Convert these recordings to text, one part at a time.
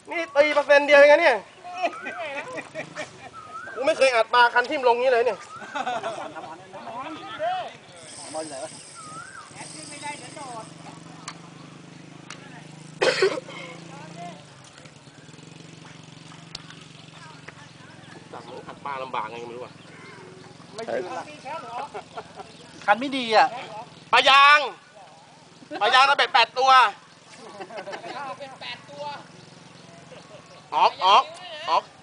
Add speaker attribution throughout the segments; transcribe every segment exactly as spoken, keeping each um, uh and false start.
Speaker 1: นี่ตีเปอร์เซ็นต์เดียวเองเนี่ยกูไม่เคยอัดปลาคันทิ่มลงนี้เลยเนี่ยจากนั้นอัดปลาลำบากไงไม่รู้อ่ะไม่ยืนละคันไม่ดีอ่ะปลายางปลายางระเบิดแปดตัวออกออกออก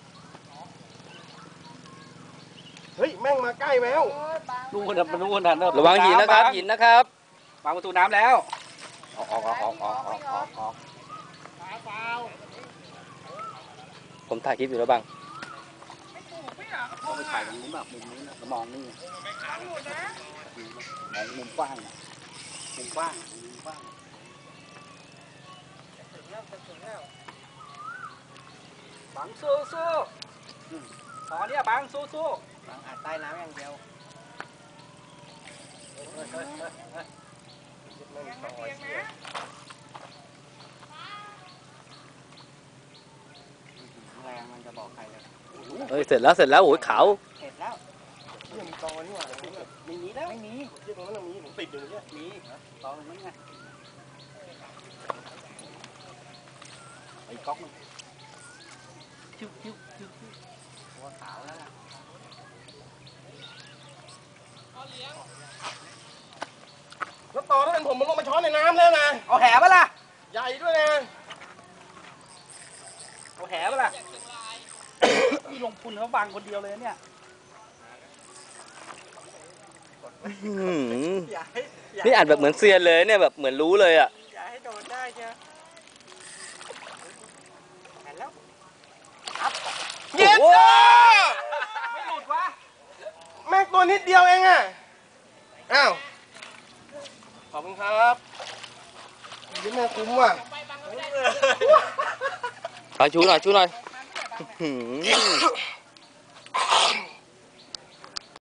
Speaker 1: เฮ้ยแม่งมาใกล้แล้วดูคนมันดูคนทันระวังหินนะครับหินนะครับวางประตูน้ำแล้วออกออกออกออกออกออกออกออกผมถ่ายคลิปอยู่แล้วบังต้องไปถ่ายตรงนู้นแบบมุมนี้นะมองนี่มองมุมกว้างมุมกว้างมุมกว้างบังสู้สู้ตอนนี้บังสู้สู้บังอัดใต้น้ำอย่างเดียวแรงมันจะบอกใครเลยเฮ้ยเสร็จแล้วเสร็จแล้วโอ้ยขาวเสร็จแล้วมีตอนี่หว่าไม่มีแล้วไม่มีเรื่องนั้นมีผมติดอยู่เนี่ยมีตอมันไงไอ้ก๊อกมันชิ้วชิ้วชิ้วหัวขาวแล้วล่ะแล้วต่อถ้าเป็นผมมันลงมาช้อนในน้ำแล้วนะเอาแหปะล่ะใหญ่ด้วยนะเอาแหปะล่ะนี่ลงทุนเขาบังคนเดียวเลยเนี่ยนี่อ่านแบบเหมือนเซียนเลยเนี่ยแบบเหมือนรู้เลยอ่ะอย่าให้โดนได้เชียวแอนแล้วเย็ดไม่หลุดวะแม่งตัวนิดเดียวเองอ่ะอ้าวขอบคุณครับยิ้มแม่คุ้มว่ะเอาชูหน่อยชูหน่อย